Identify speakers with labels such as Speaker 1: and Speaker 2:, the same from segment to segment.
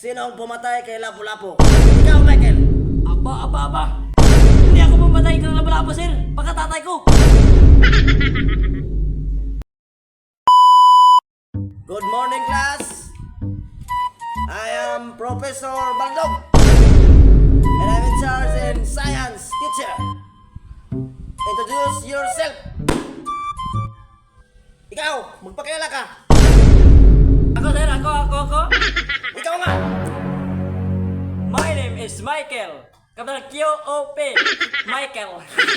Speaker 1: Sino ang pumatay kay Lapu-Lapu? Ikaw, Michael!
Speaker 2: Aba. Hindi ako pumatay kay Lapu-Lapu, sir. Baka tatay ko.
Speaker 1: Good morning, class! I am Professor Baldog, and I'm in charge in science teacher. Introduce yourself. Ikaw, magpakilala ka.
Speaker 2: Ako, sir. Ako.
Speaker 1: Ikaw nga.
Speaker 2: My name is Michael. Kapital Q-O-P. Michael.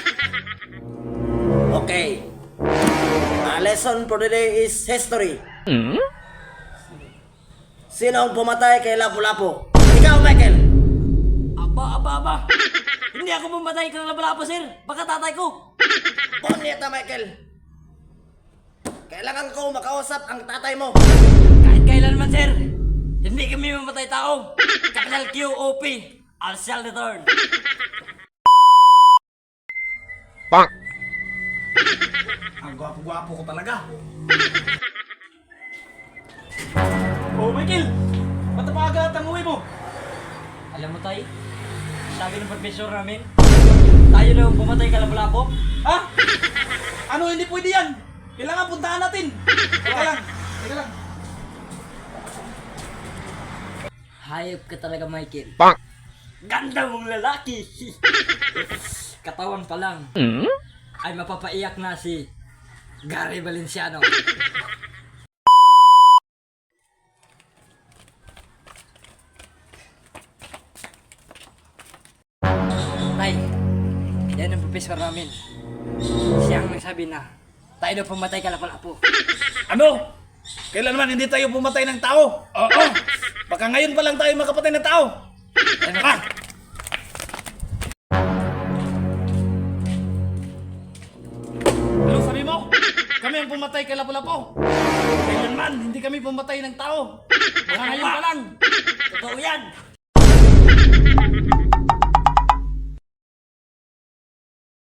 Speaker 1: Okay. Our lesson for today is history. Sino ang pumatay kay Lapu-Lapu? Ikaw, Michael.
Speaker 2: Aba. Hindi ako pumatay kay Lapu-Lapu, sir. Baka tatay ko.
Speaker 1: Ponyeta, Michael. Kailangan ko makausap ang tatay mo.
Speaker 2: Kahit kailan man, sir. Hindi kami mamatay tao. Kapital Q-O-P. I shall return.
Speaker 3: Ang gwapo-gwapo ko talaga.
Speaker 4: Oh, Michael! Ba't napakagat ang uwi mo?
Speaker 2: Alam mo, tay, sabi ng professor namin, tayo daw ang pumatay kay Lapu-Lapu.
Speaker 4: Ha? Ano, hindi pwede yan! Kailangan puntahan natin! Teka lang.
Speaker 2: Hayop ka talaga, Michael. Ganda mong lalaki! Katawan pa lang ay mapapaiyak na si Gary Valenciano. Tay, yan ang professor namin. Siya ang nagsabi na tayo daw pumatay kay Lapu-Lapu.
Speaker 4: Ano? Kailan man hindi tayo pumatay ng tao? Oo! Baka ngayon pa lang tayo makapatay ng tao! Ano ka? Ano sabi mo? Kami ang pumatay kay Lapu-Lapu. Kailan man hindi kami pumatay ng tao. Baka ngayon pa lang.
Speaker 2: Totoo yan!